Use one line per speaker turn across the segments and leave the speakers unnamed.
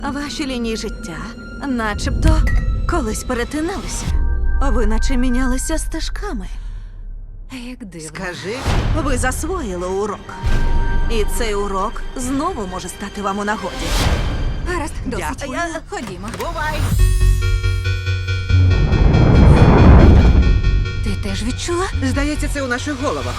Ваші лінії життя начебто колись перетиналися. Ви наче мінялися стежками.
Як дивно.
Скажи,
Ви засвоїли урок. І цей урок знову може стати вам у нагоді.
Гаразд, досить.
Дякую.
Ходімо.
бувай!
Ти теж відчула?
Здається, це у наших головах.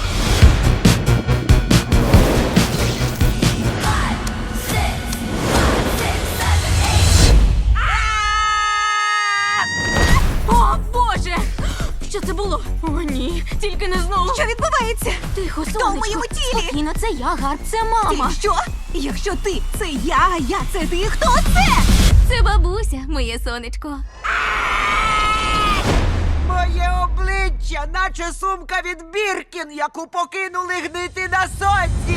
О, Боже! Що це було? О, ні, тільки не знову.
Що відбувається?
Тихо,
Хто в
сонечко.
моєму тілі?
Спокійно, це я, Гарп, це мама.
Ти що? Якщо ти це я, а я це ти, хто це?
Це бабуся, моє сонечко.
Моє обличчя, наче сумка від Біркін, яку покинули гнити на сонці.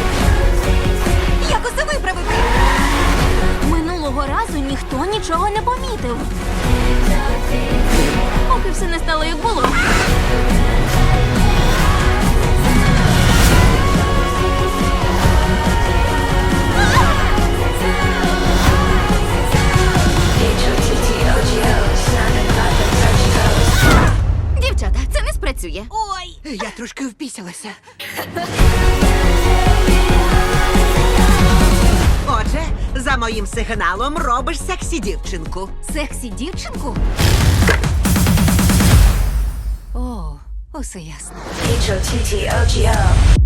Як усе виправити?
Минулого разу ніхто нічого не помітив. Поки все не стало, як було. Дівчата, це не спрацює.
Ой!
Я трошки впісялася. Отже, за моїм сигналом робиш сексі дівчинку.
Сексі дівчинку? О, усе ясно.
H-O-T-T-O-G-O